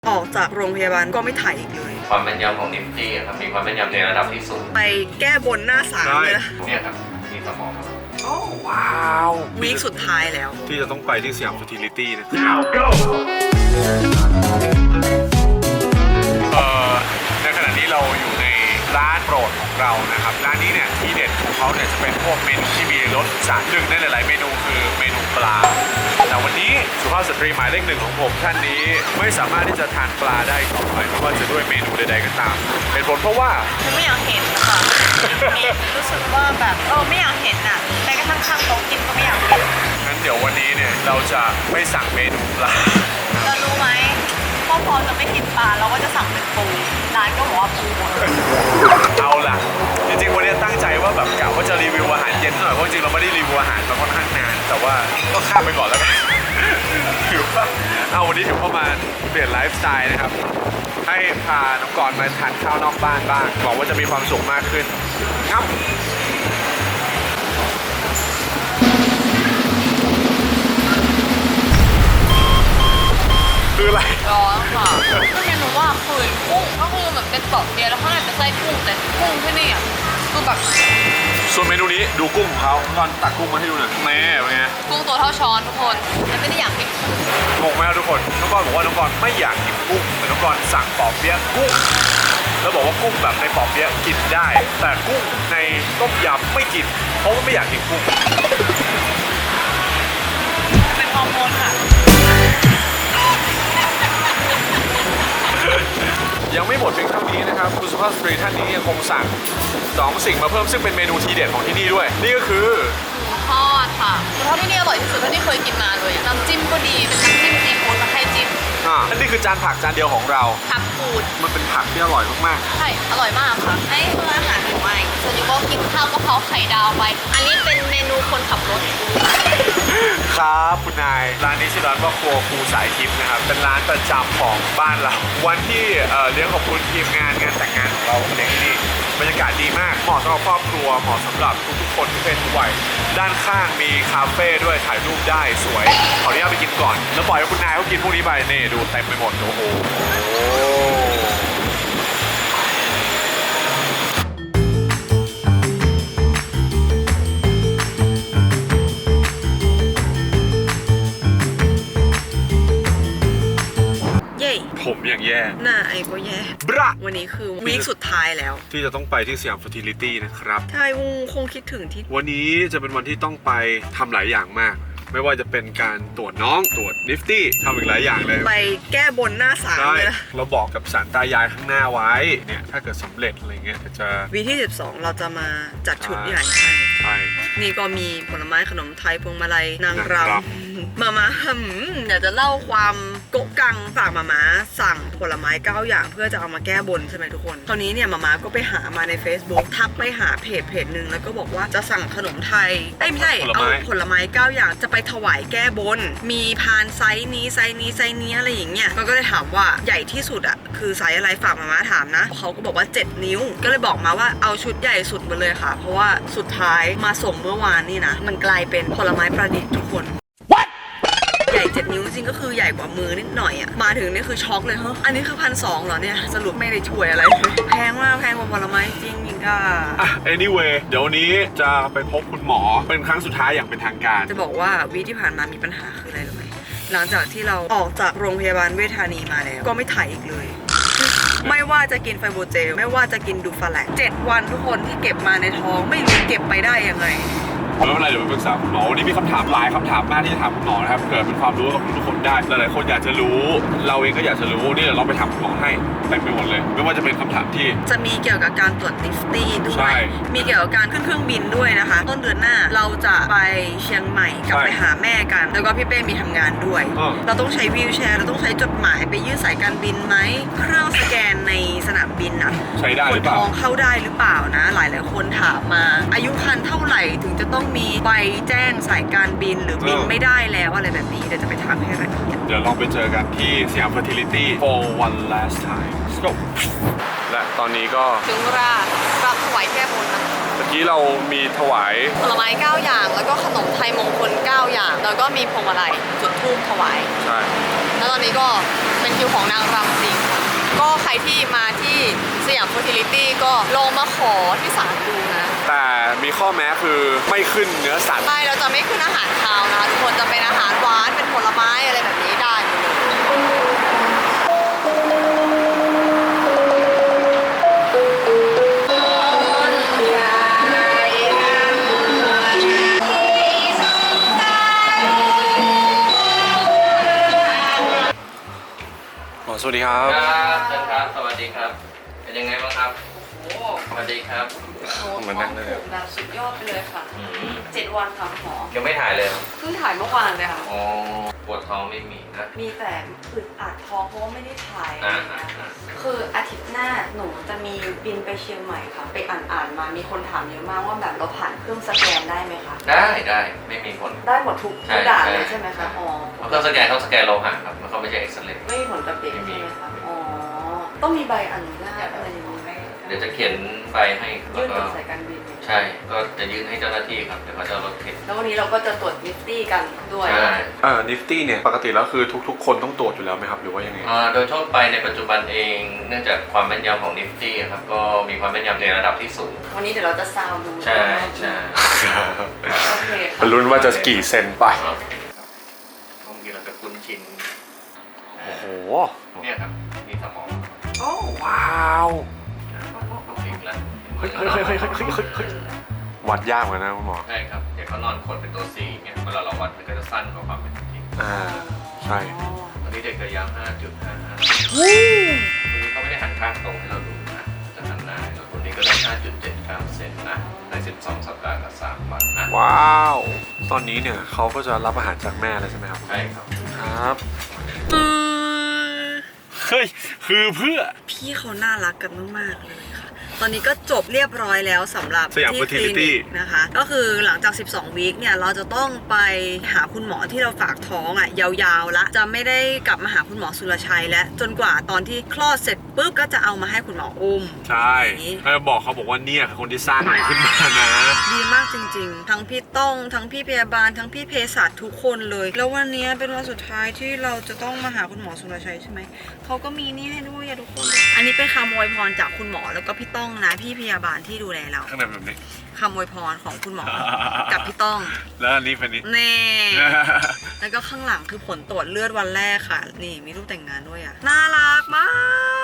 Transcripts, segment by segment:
ออกจากโรงพยาบาลก็ไม่ถ่ายอีกเลยความแม่นยำของนิฟตี้ครับมีความแม่นยำในระดับที่สูงไปแก้บนหน้าศาลเลยนะเนี่ยครับมีสมองครับโอ้ว้าววีคสุดท้ายแล้วที่จะต้องไปที่สยามฟิทิลิตี้นะในขณะนี้เราอยู่ในร้านโปรดของเรานะครับร้านนี้เนี่ยที่เด็ดของเขาเนี่ยจะเป็นพวกเมนูที่มีรสชาติหนึ่งในหลายๆเมนูคือเมนูปลาแต่วันนี้สุภาพสตรีหมายเลขหนึ่งของผมท่านนี้ไม่สามารถที่จะทานปลาได้ต่อไปไม่ว่าจะด้วยเมนูใดๆก็ตามเป็นผลเพราะว่าไม่อยากเห็นค่ะรู้สึกว่าแบบไม่อยากเห็นอ่ะแม้กระทั่งข้างโต๊ะกินก็ไม่อยากกินงั้นเดี๋ยววันนี้เนี่ยเราจะไม่สั่งเมนูปลาเรารู้ไหมพอจะไม่กินปลาเราก็จะสั่งเป็นปูร้านก็บอกว่าปูหมดเอาล่ะจริงๆวันนี้ตั้งใจว่าแบบกะว่าจะรีวิวอาหารเย็นหน่อยเพราะจริงๆเราไม่ได้รีวิวอาหารมาค่อนข้างนานแต่ว่าก็ข้ามไปก่อนแล้วกันถือว่าเอาวันนี้ถือว่ามาเปลี่ยนไลฟ์สไตล์นะครับให้พาน้องกรณ์มาทานข้าวนอกบ้านบ้างหวังว่าจะมีความสุขมากขึ้นครับคืออะไรร้อนค่ะก็เมนูว่าคือกุ้งก็คือแบบเป็นปอกเดียวแล้วข้างในเป็นไส้กุ้งแต่กุ้งที่นี่อ่ะคือแบบส่วนเมนูนี้ดูกุ้งของเขาตอนตักกุ้งมาให้ดูหน่อยแม่เป็นไงกุ้งตัวเท่าช้อนทุกคนแต่ไม่ได้อยากกินงงไหมครับทุกคนน้องกรณ์บอกว่าน้องกรณ์ไม่อยากกินกุ้งแต่น้องกรณ์สั่งปอกเปี๊ยะกุ้งแล้วบอกว่ากุ้งแบบในปอกเปี๊ยะกินได้แต่กุ้งในต้มยำไม่กินเพราะว่าไม่อยากกินกุ้งเป็นฮอร์โมนค่ะยังไม่หมดเพียงเท่านี้นะครับคุณสุภาพสตรีท่านนี้ยังคงสั่ง2 สิ่งมาเพิ่มซึ่งเป็นเมนูทีเด็ดของที่นี่ด้วยนี่ก็คือทอดค่ะทอดที่นี่อร่อยที่สุดเท่าที่เคยกินมาเลยน้ำจิ้มก็ดีเป็นน้ำจิ้มซีฟู้ดมาให้จิ้มนั่นนี่คือจานผักจานเดียวของเราผักฟูดมันเป็นผักที่อร่อยมากๆใช่อร่อยมากค่ะให้เพื่ออาหารหรือไม่ส่วนยูก็กินข้าวกะเพราไข่ดาวไปอันนี้เป็นเมนูคนขับรถครับคุณนายร้านนี้ชื่อร้านว่าครัวครูสายทิพย์นะครับเป็นร้านประจำของบ้านเราวันที่เลี้ยงขอบคุณทีมงานแต่งงานของเราเด็กที่นี่บรรยากาศดีมากเหมาะสำหรับครอบครัวเหมาะสำหรับทุกๆคนทุกเพศทุกวัยด้านข้างมีคาเฟ่ด้วยถ่ายรูปได้สวยขออนุญาตไปกินก่อนแล้วปล่อยให้คุณนายเขากินพวกนี้ไปนี่ดูเต็มไปหมดโอ้โหผมอย่างแย่หน้าไอ้ก็แย่บระวันนี้คือวีคสุดท้ายแล้วที่จะต้องไปที่สยามฟิทิลิตี้นะครับใช่คงคิดถึงที่วันนี้จะเป็นวันที่ต้องไปทำหลายอย่างมากไม่ว่าจะเป็นการตรวจน้องตรวจนิฟตี้ทำอีกหลายอย่างเลยไปแก้บนหน้าศาลเลยนะเราบอกกับศาลตายายข้างหน้าไว้เนี่ยถ้าเกิดสำเร็จอะไรเงี้ยจะวีที่12เราจะมาจัดชุดใหญ่ให้นี่ก็มีผลไม้ขนมไทยพวงมาลัยนางรำมาเดี๋ยวจะเล่าความโกะกังฝากมาสั่งผลไม้9 อย่างเพื่อจะเอามาแก้บนใช่ไหมทุกคนคราวนี้เนี่ยมาก็ไปหามาใน Facebook ทักไปหาเพจหนึ่งแล้วก็บอกว่าจะสั่งขนมไทยไม่ใช่เอาผลไม้9 อย่างจะไปถวายแก้บนมีพานไซส์นี้ไซส์นี้ไซส์นี้อะไรอย่างเงี้ยมันก็เลยถามว่าใหญ่ที่สุดอ่ะคือไซส์อะไรฝากมาถามนะเขาก็บอกว่า7 นิ้วก็เลยบอกมาว่าเอาชุดใหญ่สุดมาเลยค่ะเพราะว่าสุดท้ายมาส่งเมื่อวานนี่นะมันกลายเป็นผลไม้ประดิษฐ์ทุกคนใหญ่7 นิ้วจริงก็คือใหญ่กว่ามือนิดหน่อยอ่ะมาถึงนี่คือช็อกเลยเฮ้ยอันนี้คือ1,200เหรอเนี่ยสรุปไม่ได้ช่วยอะไรเลยแพงมากแพงกว่าผลไม้จริงค่ะ anyway เดี๋ยวนี้จะไปพบคุณหมอเป็นครั้งสุดท้ายอย่างเป็นทางการจะบอกว่าวีที่ผ่านมามีปัญหาคืออะไรรู้ไหมหลังจากที่เราออกจากโรงพยาบาลเวชธานีมาแล้วก็ไม่ถ่ายอีกเลยไม่ว่าจะกินไฟโบเจลไม่ว่าจะกินดูฟาแลก7 วันทุกคนที่เก็บมาในท้องไม่รู้เก็บไปได้ยังไงไม่เป็นไรเดี๋ยวไปปรึกษาคุณหมอวันนี้มีคำถามหลายคำถามมากที่จะถามคุณหมอนะครับเผื่อเป็นความรู้กับทุกคนได้หลายๆคนอยากจะรู้เราเองก็อยากจะรู้นี่เดี๋ยวเราไปถามคุณหมอให้เต็มไปหมดเลยไม่ว่าจะเป็นคำถามที่จะมีเกี่ยวกับการตรวจนิฟตี้ด้วยมีเกี่ยวกับการขึ้นเครื่องบินด้วยนะคะต้นเดือนหน้าเราจะไปเชียงใหม่กลับไปหาแม่กันแล้วก็พี่เป้มีทำงานด้วยเราต้องใช้วีลแชร์เราต้องใช้จดหมายไปยื่นสายการบินไหมเครื่องสแกนในสนามบินอะใช้ได้หรือเปล่าคนท้องเข้าได้หรือเปล่านะหลายคนถามมาอายุครรภ์เท่าไหร่ถึงจะต้องมีใบแจ้งสายการบินหรือบินไม่ได้แล้วอะไรแบบนี้เดี๋ยวจะไปถามให้ละเอียดเดี๋ยวลองไปเจอกันที่สยาม Fertility for one last time และตอนนี้ก็ถึงเวลารำถวายแก้บนนะเมื่อกี้เรามีถวายผลไม้9อย่างแล้วก็ขนมไทยมงคล9อย่างแล้วก็มีพวงมาลัยจุดธูปถวายใช่แล้วตอนนี้ก็เป็นคิวของนางรำจริงค่ะก็ใครที่มาที่สยามเฟอร์ติลิตี้ก็ลองมาขอที่ศาลดูนะแต่มีข้อแม้คือไม่ขึ้นเนื้อสัตว์ใช่เราจะไม่ขึ้นอาหารคาวนะคะทุกคนจะเป็นอาหารหวานเป็นผลไม้อะไรแบบนี้ได้หมดเลยสวัสดีครับครับเชิญครับ สวัสดีครับ เป็นยังไงบ้างครับโอ้โหสวัสดีครับเหมือนนั่งเลยแบบสุดยอดไปเลยค่ะอืม 7 วันค่ะคุณหมอยังไม่ถ่ายเลยเหรอเพิ่งถ่ายเมื่อวานเลยค่ะอ๋อปวดท้องไม่มีนะมีแต่อึดอัดท้องเพราะว่าไม่ได้ถ่ายอะไรอ่าอย่างอ่าเงี้ยอ่าคืออาทิตย์หน้าหนูจะมีบินไปเชียงใหม่ค่ะ ไปอ่านมามีคนถามเยอะมากว่าแบบเราผ่านเครื่องสแกนได้ไหมคะได้ไม่มีผลได้หมดทุกใช่ด่านใช่เลยใช่ไหมคะอ๋อเพราะเครื่องสแกนต้องสแกนโลหะครับ มันเขาไม่ใช่เอ็กซเรย์ไม่มีผลกับเด็กไม่มีใช่ไหมคะอ๋อต้องมีใบอนุญาตอะไรอย่างนี้ไหมเดี๋ยวจะเขียนใบให้แล้ยื่วน ก็กับสายการบินไหมใช่ ก็จะยื่นให้เจ้าหน้าที่ครับ เดี๋ยวเขาจะเอารถเข็นแล้ววันนี้เราก็จะตรวจนิฟตี้กันด้วยใช่นิฟตี้เนี่ยปกติแล้วคือทุกๆ คนต้องตรวจอยู่แล้วไหมครับหรือว่ายังไงโดยทั่วไปในปัจจุบันเอง เนื่องจากความแม่นยำของนิฟตี้ครับ ก็มีความแม่นยำในระดับที่สูงวันนี้เดี๋ยวเราจะซาวดูใช่ใช่โอเคค่ะลุ้นว่าจะกี่เซนไปครับบางทีเราจะคุ้นชินโอ้โหเนี่ยครับนี่สมองโอ้ว้าวต้องพลิกแล้วเฮ้ยวัดยากเหมือนกันนะคุณหมอใช่ครับเดี๋ยวเขานอนขดเป็นตัว C เนี่ยเวลาเราวัดมันก็จะสั้นกว่าความเป็นจริงอ่า ใช่ตอนนี้เด็กจะยาว 5.55วันนี้เขาไม่ได้หันข้างตรงให้เราดูนะจะหันหน้าให้เราคนนี้ก็ได้ 5.79 เซนนะใน 12 สัปดาห์กับ3วันนะว้าว ตอนนี้เนี่ยเขาก็จะรับอาหารจากแม่เลยใช่ไหมครับใช่ครับครับเฮ้ยคือเพื่อพี่เขาน่ารักกันมากๆเลยค่ะ ตอนนี้ก็จบเรียบร้อยแล้วสำหรับสยามที่คลิ Fertility นิกนะคะ ก็คือหลังจาก 12 วีคเนี่ยเราจะต้องไปหาคุณหมอที่เราฝากท้องอ่ะยาวๆละจะไม่ได้กลับมาหาคุณหมอสุรชัยแล้วจนกว่าตอนที่คลอดเสร็จปุ๊บก็จะเอามาให้คุณหมออุ้มใช่แล้วบอกเขาบอกว่าเนี่ยคือคนที่สร้างมันขึ้นมานะดีมากจริงๆ ทั้งพี่ต้องทั้งพี่พยาบาลทั้งพี่เภสัชทุกคนเลย แล้ววันนี้เป็นวันสุดท้ายที่เราจะต้องมาหาคุณหมอสุรชัยใช่ไหม เขาก็มีนี่ให้ด้วยอะทุกคน อันนี้เป็นคำอวยพรจากคุณหมอแล้วก็พี่ต้องนะพี่พยาบาลที่ดูแลเราข้างในแบบนี้คำอวยพรของคุณหมอ กับพี่ต้องแล้วอันนี้เป็นนี้เน่ แล้วก็ข้างหลังคือผลตรวจเลือดวันแรกค่ะ นี่มีรูปแต่งงานด้วยอะน่ารักมาก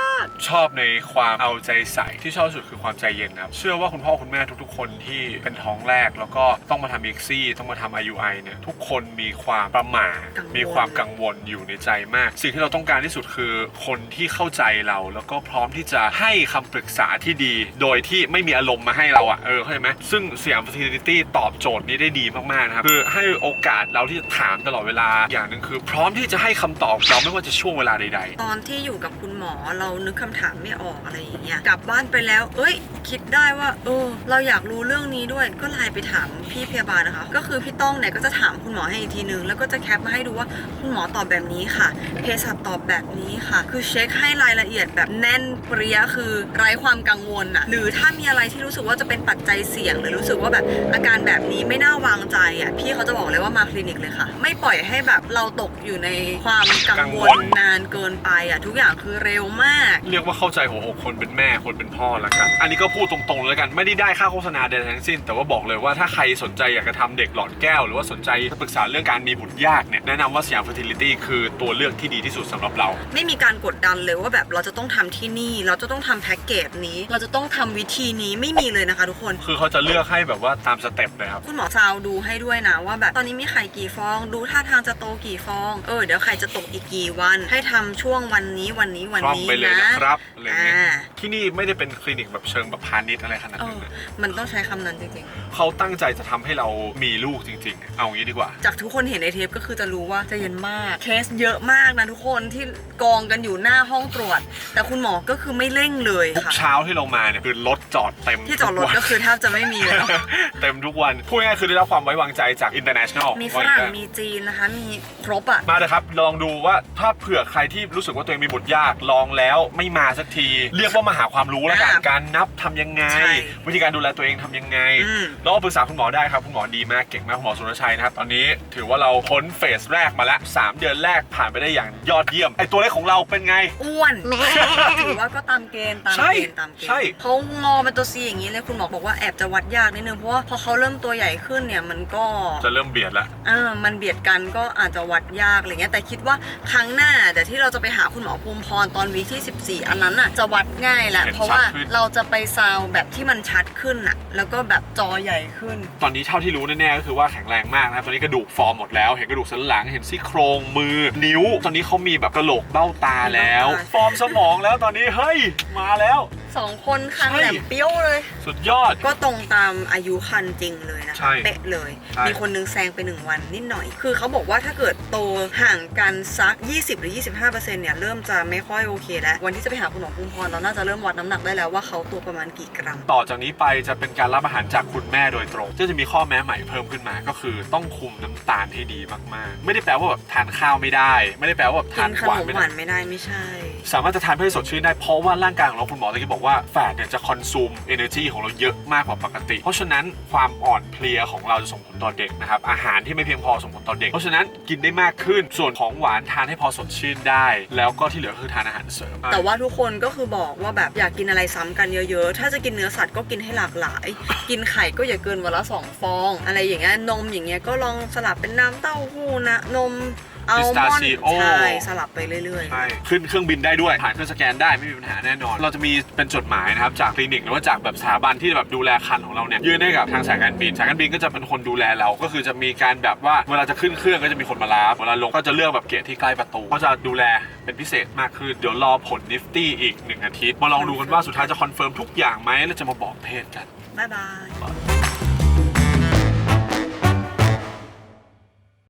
ชอบในความเอาใจใส่ที่ชอบสุดคือความใจเย็นนะครับเชื่อว่าคุณพ่อคุณแม่ทุกๆ คนที่เป็นท้องแรกแล้วก็ต้องมาทำเอ็กซี่ต้องมาทำ IUI เนี่ยทุกคนมีความประหม่ากังวลมีความกังวลอยู่ในใจมาก สิ่งที่เราต้องการที่สุดคือคนที่เข้าใจเราแล้วก็พร้อมที่จะให้คำปรึกษาที่ดี โดยที่ไม่มีอารมณ์มาให้เราอ่ะเข้าใจไหมซึ่งสยาม Fertility ตอบโจทย์นี้ได้ดีมากๆนะครับคือให้โอกาสเราที่จะถามตลอดเวลาอย่างหนึ่งคือพร้อมที่จะให้คำตอบเราไม่ว่าจะช่วงเวลาใดๆตอนที่อยู่กับคุณหมอเรานึกคำถามไม่ออกอะไรอย่างเงี้ยกลับบ้านไปแล้วเอ้ยคิดได้ว่าเราอยากรู้เรื่องนี้ด้วยก็ไลน์ไปถามพี่พยาบาลนะคะก็คือพี่ต้องเนี่ยก็จะถามคุณหมอให้อีกทีนึงแล้วก็จะแคปมาให้ดูว่าคุณหมอตอบแบบนี้ค่ะเภสัชตอบแบบนี้ค่ะคือเช็คให้รายละเอียดแบบแน่นเปรี้ยคือไร้ความกังวลอะหรือถ้ามีอะไรที่รู้สึกว่าจะเป็นปัจจัยเสี่ยงหรือรู้สึกว่าแบบอาการแบบนี้ไม่น่าวางใจอะพี่เขาจะบอกเลยว่ามาคลินิกเลยค่ะไม่ปล่อยให้แบบเราตกอยู่ในความกังวลนานเกินไปอะทุกอย่างคือเร็วมากเรียกว่าเข้าใจหัวอกคนเป็นแม่คนเป็นพ่อแล้วกันอันนี้ก็พูดตรงๆเลยกันไม่ได้ค่าโฆษณาใดๆทั้งสิ้นแต่ว่าบอกเลยว่าถ้าใครสนใจอยากจะทำเด็กหลอดแก้วหรือว่าสนใจปรึกษาเรื่องการมีบุตรยากเนี่ยแนะนำว่าสยาม Fertility คือตัวเลือกที่ดีที่สุดสำหรับเราไม่มีการกดดันเลยว่าแบบเราจะต้องทำที่นี่เราจะต้องทำแพ็กเกจนี้เราจะต้องทำวิธีนี้ไม่มีเลยนะคะทุกคนคือเขาจะเลือกให้แบบว่าตามสเต็ปเลยครับคุณหมอซาวดูให้ด้วยนะว่าแบบตอนนี้มีไข่กี่ฟองดูท่าทางจะโตกี่ฟองเดี๋ยวไข่จะตกอีกกี่วันให้ทำช่วงวันนี้วันนี้วันพร้อมนี้ไปเลยนะนะครับอะไรเงี้ยอ่าที่นี่ไม่ได้เป็นคลินิกแบบเชิงแบบพาณิชย์อะไรขนาดนั้นนะมันต้องใช้คำนั้นจริงเขาตั้งใจจะทำให้เรามีลูกจริงๆ เอางี้ดีกว่าๆจากทุกคนเห็นในเทปก็คือจะรู้ว่าใจเย็นมากเคสเยอะมากนะทุกคนที่กองกันอยู่หน้าห้องตรวจ แต่คุณหมอก็คือไม่เร่งเลยทุกค่ะเช้าที่เรามาเนี่ยคือรถจอดเต็มที่จอดรถทุวันก็คือแทบจะไม่มีแล้วเต็มทุกวันพูดง่ายๆคือได้รับความไว้วางใจจาก international มีฝรั่งมีจีนนะคะมีครบอ่ะมาเลยครับลองดูว่าถ้าเผื่อใครที่รู้สึกว่าตัวเองมีบุตรยากลองแล้วไม่มาสักทีเรียกว่ามาหาความรู้แล้วกันอ่าการนับทำยังไงใช่วิธีการดูแลตัวเองทำยังไงอืมแล้วก็ปรึกษาคุณหมอได้ครับคุณหมอดีมากเก่งมากคุณหมอสุรชัยนะครับตอนนี้ถือว่าเราพ้นเฟสแรกมาแล้ว3 เดือนแรกผ่านไปได้อย่างยอดเยี่ยมไอตัวเลขของเราเป็นไงอ้วน ถือว่าก็ตามเกณฑ์ตามใช่เกณฑ์ตามเกณใช่ฑ์เขางอเป็นตัวซีอย่างนี้เลยคุณหมอบอกว่าแอบจะวัดยากนิดนึงเพราะว่าพอเขาเริ่มตัวใหญ่ขึ้นเนี่ยมันก็จะเริ่มเบียดแล้วมันเบียดกันก็อาจจะวัดยากอะไรเงี้ยแต่คิดว่าครั้งหน้าแต่ที่เราจะไปหาคุณหมอภูมิพรตอนวีคที่ 14 อันนั้นน่ะจะวัดง่ายแหละเห็นเพราะว่าชัดขึ้นเราจะไปซาวแบบที่มันชัดขึ้นน่ะแล้วก็แบบจอใหญ่ขึ้นตอนนี้เท่าที่รู้แน่ๆก็คือว่าแข็งแรงมากนะครับตอนนี้กระดูกฟอร์มหมดแล้วเห็นกระดูกสันหลังเห็นซี่โครงมือนิ้ว ตอนนี้เขามีแบบกระโหลกเบ้าตาแล้ว ฟอร์มสมองแล้วตอนนี้เฮ้ยมาแล้ว 2 คนคางใช่แหลมเปี้ยวเลยสุดยอดก็ตรงตามอายุคันจริงเลยนะใช่คะเป๊ะเลยใช่มีคนนึงแซงไป1 วันนิดหน่อย คือเขาบอกว่าถ้าเกิดโตห่างกันสัก 20 หรือ 25%เนี่ยเริ่มจะไม่ค่อยโอเคแล้ววันที่จะไปหาคุณหมอภูมิพรเราน่าจะเริ่มวัดน้ำหนักได้แล้วว่าเขาตัวประมาณกี่กรัมต่อจากนี้ไปจะเป็นการรับอาหารจากคุณแม่โดยตรงก็จะมีข้อแม้ใหม่เพิ่มขึ้นมาก็คือต้องคุมน้ำตาลให้ดีมากๆไม่ได้แปลว่าแบบทานข้าวไม่ได้ ไม่ได้แปลว่าแบบกิทานนขหวานนมไม่หได้วานไม่ได้ไม่ใช่สามารถจะทานเพื่อให้สดชื่นได้เพราะว่าร่างกายของเราคุณหมอตะกี้บอกว่าแฟตเนี่ยจะคอนซูม energy ของเราเยอะมากกว่าปกติ เพราะฉะนั้นความอ่อนเพลียของเราจะส่งผลต่อเด็กนะครับอาหารที่ไม่เพียงพอส่งผลต่อเด็กเพราะฉะนั้นกินได้มากขึ้นส่วนของหวานทานให้พอสดชื่นได้ แล้วก็ที่เหลือคือทานอาหารเสริมแต่ว่าทุกคนก็คือบอกว่าแบบอยากกินอะไรซ้ำกันเยอะๆ ถ้าจะกินเนื้อสัตว์ก็กินให้หลากหลาย กินไข่ก็อย่าเกินวันละ2 ฟอง อะไรอย่างเงี้ยนมอย่างเงี้ยก็ลองสลับเป็นน้ำเต้าหู้นะนมอัลมอนด์ใช่สลับไปเรื่อยๆใช่ขึ้นเครื่องบินได้ด้วยผ่านเครื่องสแกนได้ไม่มีปัญหาแน่นอน เราจะมีเป็นจดหมายนะครับจากคลินิกหรือว่าจากแบบสถาบันที่แบบดูแลครรภ์ของเราเนี่ยยื่นให้กับทางสายการบินสายการบินก็จะเป็นคนดูแลเราก็คือจะมีการแบบว่าเวลาจะขึ้นเครื่องก็จะมีคนมารับเวลาลงก็จะเลือกแบบเกตที่ใกล้ประตูก็จะดูแลเป็นพิเศษมากขึ้นเดี๋ยวรอผลนิฟตี้อีก1 อาทิตย์มาลองดูกันว่าสุดท้ายจะคอนเฟิร์มทุกอย่างไหมแล้วจะมาบอกเพศกันบ๊ายบาย